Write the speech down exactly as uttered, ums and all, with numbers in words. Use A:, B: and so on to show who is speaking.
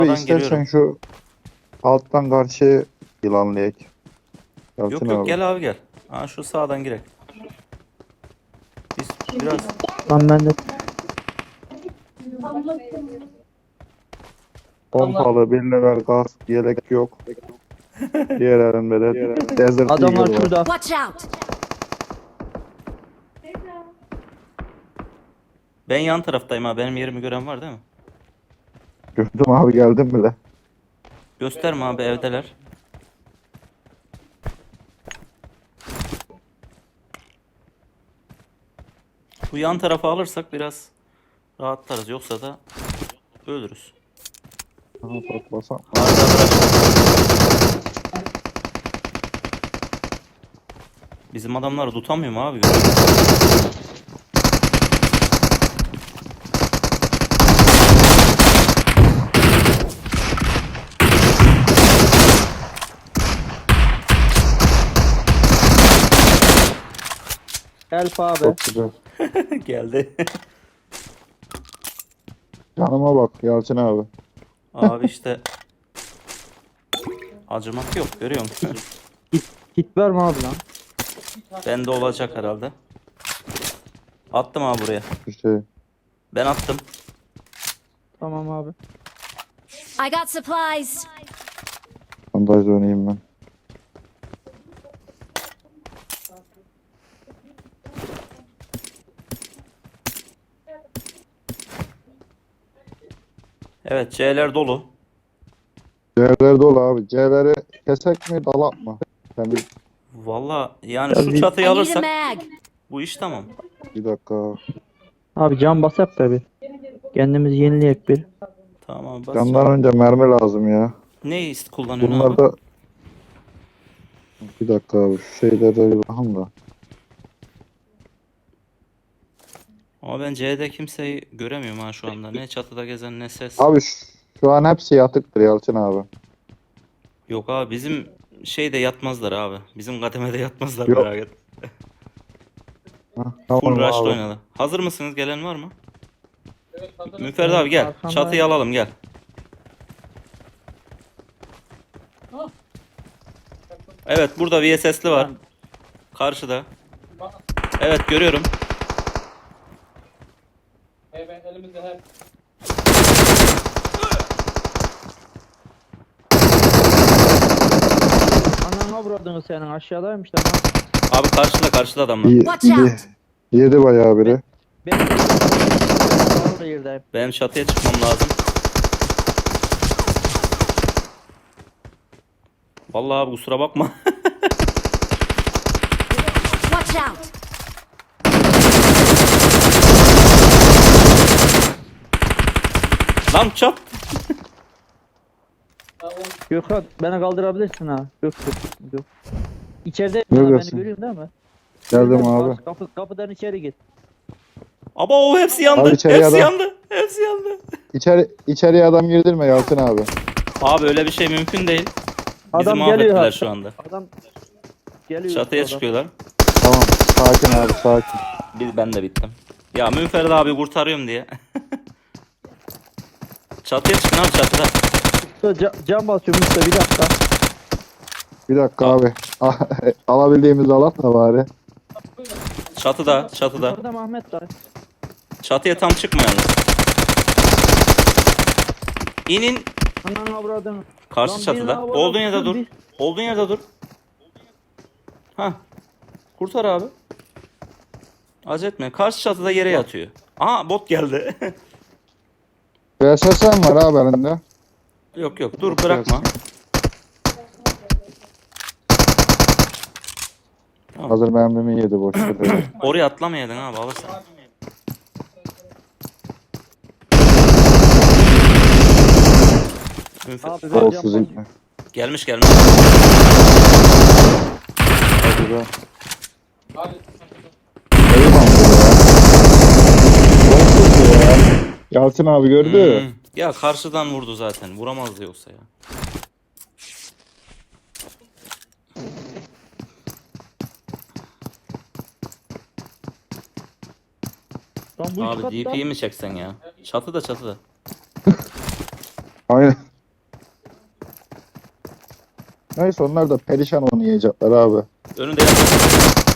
A: Sağdan
B: istersen
A: giriyorum.
B: şu alttan karşıya yılanlayak.
A: Yok
B: Yalçın
A: yok
B: abi.
A: gel abi gel. Ha şu sağdan girek. Biz biraz
C: Lan ben de
B: Pompalı, bir level gaz, yelek yok. Diğer elimde de Desert
C: adamlar
B: Eagle var.
C: şurada.
D: Watch out!
A: ben yan taraftayım ha. Benim yerimi gören var değil mi?
B: Gördüm abi, geldim bile.
A: Gösterme abi evdeler. Bu yan tarafa alırsak biraz rahatlarız. Yoksa da ölürüz.
B: Ha, bak basam.
A: Arda bırak. Bizim adamları tutamıyor mu abi?
C: Elf abi.
B: Çok güzel.
A: Geldi.
B: Canıma bak Yalçın abi.
A: Abi işte acımak yok, görüyor musun?
C: Kit var mı abi lan?
A: Bende olacak herhalde. Attım abi buraya.
B: Bir şey.
A: Ben attım.
C: Tamam abi.
D: I got supplies.
B: Bandaj oynayayım ben.
A: Evet, C'ler dolu.
B: C'ler dolu abi. C'leri kesek mi, dalak mı? Sen bir,
A: Valla yani
C: Ya
A: şu
C: bir-
D: I
A: çatıyı
D: need a
A: alırsak
D: mag.
A: bu iş tamam.
B: bir dakika.
C: Abi can basak da bir. Kendimizi yenileyek bir.
A: Tamam abi
B: Candan
A: basacağım.
B: önce mermi lazım ya.
A: Ne ist- kullanıyorsun
B: Bunlar
A: abi?
B: da bir dakika abi, şu şeylere bir bakın da.
A: Ama ben C'de kimseyi göremiyorum ha şu anda. Ne çatıda gezen ne ses.
B: Abi şu, şu an hepsi yatıktır Yalçın abi.
A: Yok abi bizim şeyde yatmazlar abi. Bizim kademede yatmazlar,
B: Yok.
A: merak etme.
B: Hah,
A: Full
B: tamam
A: rush'la
B: abi.
A: oynadı. Hazır mısınız? Gelen var mı? Müferdi abi gel.
C: Arkamda-
A: Çatıyı alalım gel. Evet burada V S S'li var. Karşıda. Evet görüyorum.
E: Evet, elimizde hep.
C: Ananı avradını senin aşağıdaymış lan.
A: Abi karşıda karşıda adamlar.
B: Ye-
D: Watch out.
B: ye- Yedi bayağı biri.
C: Ben orada yerdeyim.
A: Benim çatıya çıkmam lazım. Vallahi abi kusura bakma.
D: Watch out!
A: Lan çat.
C: Gökhan beni kaldırabilirsin ha. Yok yok yok. İçeride beni
B: Neredesin?
C: görüyorsun değil mi?
B: Geldim abi.
C: Kapı, kapıdan içeri git.
A: Ama o hepsi yandı.
B: Abi içeriye
A: Hepsi
B: adam-
A: yandı. Hepsi yandı.
B: İçeri, içeriye adam girdirme Yalçın abi.
A: Abi öyle bir şey mümkün değil. Bizi
C: Adam
A: mahvettiler
C: geliyor ha.
A: şu anda.
C: Adam geliyor.
A: Çatıya
C: adam.
A: çıkıyorlar.
B: Tamam, sakin abi, sakin.
A: Bir, ben de bittim. Ya Münferdi abi kurtarıyorum diye. Çatıya çıkın abi çatıda.
C: Ca cam basıyorum usta bir dakika.
B: Bir dakika abi. Alabildiğimizi alalım da bari.
A: Çatıda, çatıda.
C: Orada Mehmet var.
A: Çatıya tam çıkmayalım. İnin.
C: Ananı avradını.
A: Karşı
C: Lan bir
A: çatıda.
C: havada
A: Olduğun yerde
C: uçuyor,
A: dur.
C: bir-
A: Olduğun yerde dur. Ha. Kurtar abi. Acele etme. Karşı çatıda yere yatıyor. Aha bot geldi.
B: V S S M var abi elinde.
A: Yok yok dur bırakma.
B: Hazır mermimi yedi boş ver.
A: Oraya atlamayaydın abi alırsan. Münfer-
C: Abi ben
B: Olsuz
C: cam
B: ilmi.
A: Gelmiş gelmiş.
B: Hadi be.
E: Hadi.
B: Eyvallah ya. Olsuz ya. Yalçın abi gördü.
A: Hmm. Ya karşıdan vurdu zaten. Vuramazdı yoksa ya.
C: Lan bu üç
A: Abi
C: katta.
A: D P'yi mi çeksen ya? Çatıda çatıda.
B: Aynen. Neyse onlar da perişan oynayacaklar abi.
A: Önünde yapıyor.